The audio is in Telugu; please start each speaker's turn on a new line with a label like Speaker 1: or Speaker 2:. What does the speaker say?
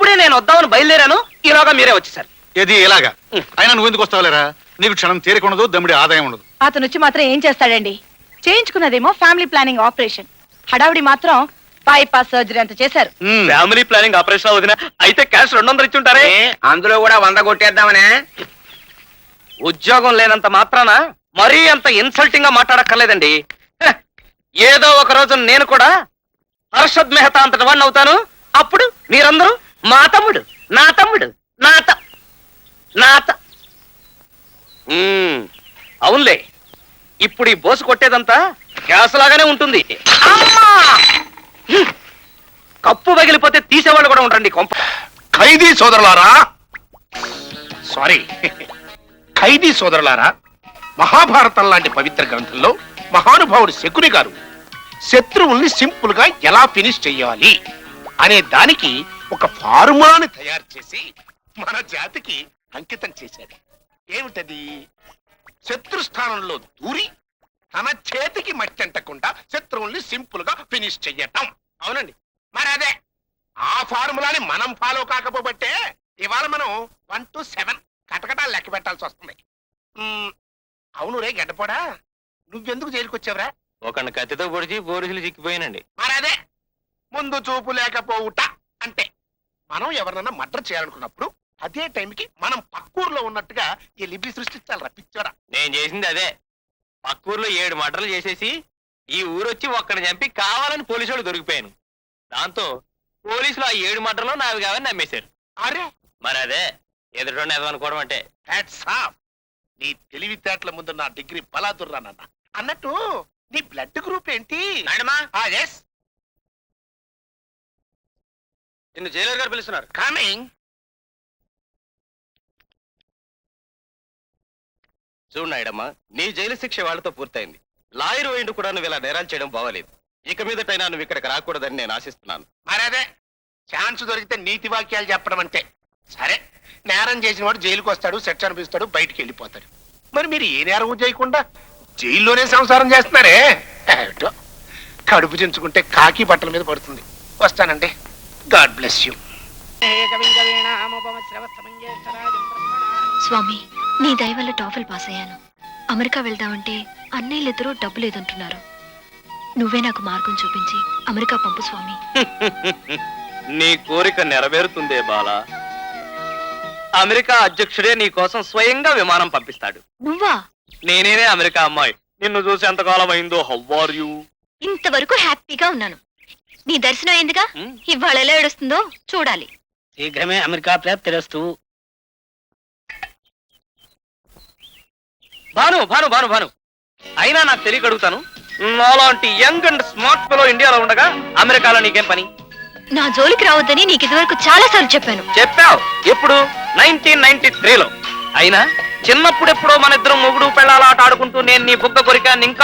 Speaker 1: ఇప్పుడే నేను వద్దామని బయలుదేరాను, ఈలోగా మీరే వచ్చేసారు.
Speaker 2: ఏది ఇలాగా? అయినా నువ్వు ఎందుకు వస్తావులేరా? నీకు క్షణం తీరిక ఉండదు, దమ్ముడి ఆదాయం ఉండదు.
Speaker 3: అతను వచ్చి మాత్రం ఏం చేస్తాడండి? చేయించుకున్నదేమో ఫ్యామిలీ ప్లానింగ్ ఆపరేషన్, హడావిడి మాత్రం బైపాస్ సర్జరీ అంత చేశారు.
Speaker 1: ఫ్యామిలీ ప్లానింగ్ ఆపరేషన్ వదిన అయితే క్యాష్ 200 ఇచ్చి ఉంటారే.
Speaker 4: అందులో కూడా 100 కొట్టేద్దామనే.
Speaker 1: ఉద్యోగం లేనంత మాత్రాన మరీ అంత ఇన్సల్టింగ్ గా మాట్లాడక్కర్లేదండి. హ, ఏదో ఒక రోజు నేను కూడా హర్షద్ మెహతా అంతటి వాడిని అవుతాను. అప్పుడు మీరందరూ మా తమ్ముడు, నా తమ్ముడు, అవునులే. ఇప్పుడు ఈ బోసు కొట్టేదంతా గ్యాస్ లాగానే ఉంటుంది. అమ్మా! కప్పు పగిలిపోతే తీసేవాళ్ళు కూడా ఉంటారండి కొంప.
Speaker 2: ఖైదీ సోదరులారా, సారీ ఖైదీ సోదరులారా, మహాభారతం లాంటి పవిత్ర గ్రంథంలో మహానుభావుడు శకుని గారు శత్రువుల్ని సింపుల్ గా ఎలా ఫినిష్ చెయ్యాలి అనే దానికి ఒక ఫార్ములాని తయారు చేసి మన జాతికి అంకితం చేశాడు. ఏమిటది? శత్రు స్థానంలో దూరి తన చేతికి మట్టంటకుండా శత్రువుల్ని సింపుల్ గా ఫినిష్ చెయ్యటం. అవునండి, మరి అదే ఆ ఫార్ములాని మనం ఫాలో కాకపోబట్టే ఇవాళ మనం 1 to 7 కటకటాలు లెక్క పెట్టాల్సి వస్తుంది. అవును రే గడ్డపోడా, నువ్వెందుకు జైలుకి వచ్చావురా?
Speaker 1: ఒక కత్తితో పొడిచి పోలీసులు చిక్కిపోయానండి.
Speaker 2: మరి అదే ముందు చూపు లేకపోవుట అంటే. మనం ఎవరినన్నా మర్డర్ చేయాలనుకున్నప్పుడు అదే టైంకి మనం పక్కూరులో ఉన్నట్టుగా ఈ లిపి సృష్టించాలి రప్పించారా.
Speaker 1: నేను చేసింది అదే. పక్కూరులో 7 మర్డర్లు చేసేసి ఈ ఊరొచ్చి ఒక్కడిని చంపి కావాలని పోలీసు వాళ్ళు దొరికిపోయాను. దాంతో పోలీసులు ఆ 7 మర్డర్లు నావి కావని నమ్మేశారు.
Speaker 2: అరే
Speaker 1: మరి అదే ఎదుటి అనుకోవడం అంటే.
Speaker 2: Hats off. నీ తెలివితేటల ముందు నా డిగ్రీ బలాదుర్రానన్న. అన్నట్టు నీ బ్లడ్ గ్రూప్ ఏంటి? ఎస్,
Speaker 1: నిన్ను జైలర్ గారు పిలుస్తున్నారు.
Speaker 2: కమింగ్.
Speaker 1: చూడు నాయుడమ్మా, నీ జైలు శిక్ష వాళ్ళతో పూర్తయింది. లాయర్ వేయండి కూడా నువ్వు ఇలా నేరాలు చేయడం బాగలేదు. ఇక మీదటైనా నువ్వు ఇక్కడికి రాకూడదని నేను ఆశిస్తున్నాను.
Speaker 2: మరి అదే ఛాన్స్ దొరికితే నీతి వాక్యాలు చెప్పడం అంటే. సరే, నేరం చేసిన వాడు జైలుకి వస్తాడు, శిక్ష అనిపిస్తాడు, బయటికి వెళ్ళిపోతాడు. మరి మీరు ఏ నేరం చేయకుండా జైల్లోనే సంసారం చేస్తున్నారే? ఏమిటో, కడుపు చించుకుంటే కాకి బట్టల మీద పడుతుంది. వస్తానండి. God bless you.
Speaker 5: స్వామి, నీ దయ వల్ల టాఫెల్ పాస్ అయ్యాను. అమెరికా వెళ్దామంటే అన్నయ్యలిద్దరూ డబ్బు లేదంటున్నారు. నువ్వే నాకు మార్గం చూపించి అమెరికా పంపు స్వామి.
Speaker 1: నీ కోరిక నెరవేరుతుందే బాలా. అమెరికా అధ్యక్షుడే నీ కోసం స్వయంగా విమానం పంపిస్తాడు.
Speaker 5: నువ్వా?
Speaker 1: నేనేనే అమెరికా అమ్మాయి. నిన్ను చూసి ఎంతకాలం అయిందో. How are you?
Speaker 5: ఇంతవరకు హ్యాపీగా ఉన్నాను. నీ దర్శనం అయిందిగా, ఇవాళ ఎలా ఏడుస్తుందో చూడాలి.
Speaker 4: శీఘ్రమే అమెరికా ప్రాప్తిరస్తు.
Speaker 1: భాను భాను భాను భాను అయినా నాకు తెలియక అడుగుతాను, నాలాంటి యంగ్ అండ్ స్మార్ట్ పిలో ఇండియాలో ఉండగా అమెరికాలో నీకేం పని?
Speaker 5: నా జోలికి రావద్దని నీకు ఇదివరకు చాలా సార్లు చెప్పాను.
Speaker 1: చెప్పావు. ఎప్పుడు? 1993లో. అయినా చిన్నప్పుడెప్పుడో మన ఇద్దరం మొగుడు పెళ్ళాల ఆట ఆడుకుంటూ నేను నీ బుగ్గ కొరికా ఇంకా